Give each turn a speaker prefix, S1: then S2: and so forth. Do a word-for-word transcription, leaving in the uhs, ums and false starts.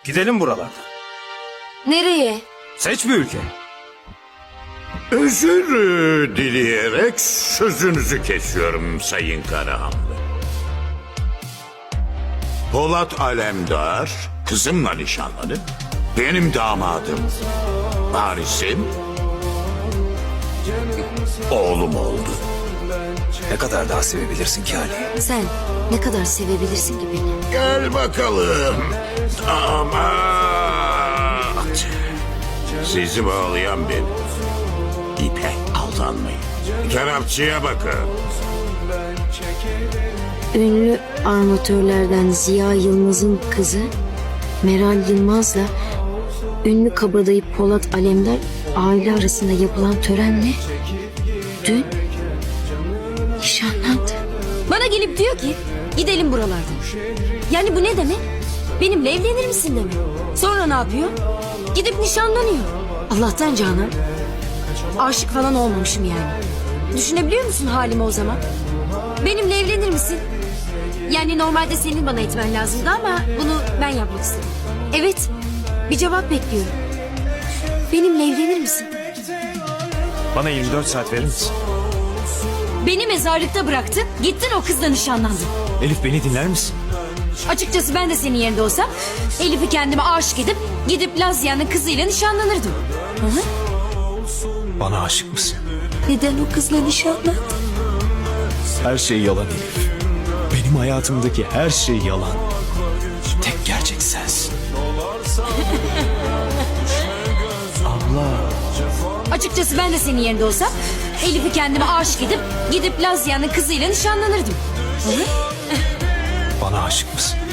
S1: Gidelim buralardan.
S2: Nereye?
S1: Seç bir ülke.
S3: Özür e, dileyerek sözünüzü kesiyorum Sayın Karahanlı. Polat Alemdar kızımla nişanlanıp benim damadım, varisim, oğlum oldu.
S1: Ne kadar daha sevebilirsin ki Ali?
S2: Sen ne kadar sevebilirsin ki beni?
S3: Gel bakalım damat. Sizi bağlayan benim. İpe aldanmayın. Kerapçıya bakın.
S2: Ünlü armatörlerden Ziya Yılmaz'ın kızı Meral Yılmaz'la ünlü kabadayı Polat Alemdar aile arasında yapılan törenle dün nişanlandı. Bana gelip diyor ki gidelim buralardan. Yani bu ne demek? Benimle evlenir misin demek. Sonra ne yapıyor? Gidip nişanlanıyor. Allah'tan Canan. Aşık falan olmamışım yani. Düşünebiliyor musun halimi o zaman? Benimle evlenir misin? Yani normalde senin bana etmen lazımdı ama bunu ben yapmak istedim. Evet, bir cevap bekliyorum. Benimle evlenir misin?
S1: Bana yirmi dört saat verir misin?
S2: Beni mezarlıkta bıraktın, gittin o kızla nişanlandın.
S1: Elif beni dinler misin?
S2: Açıkçası ben de senin yerinde olsam Elif'i kendime aşık edip gidip Lazia'nın kızıyla nişanlanırdım. Hı hı.
S1: Bana aşık mısın?
S2: Neden o kızla nişanlandın?
S1: Her şey yalan Elif. Benim hayatımdaki her şey yalan. Tek gerçek sensin. Abla.
S2: Açıkçası ben de senin yerinde olsam Elif'i kendime aşık edip gidip Lazia'nın kızıyla nişanlanırdım. Hı hı.
S1: Bana aşık mısın?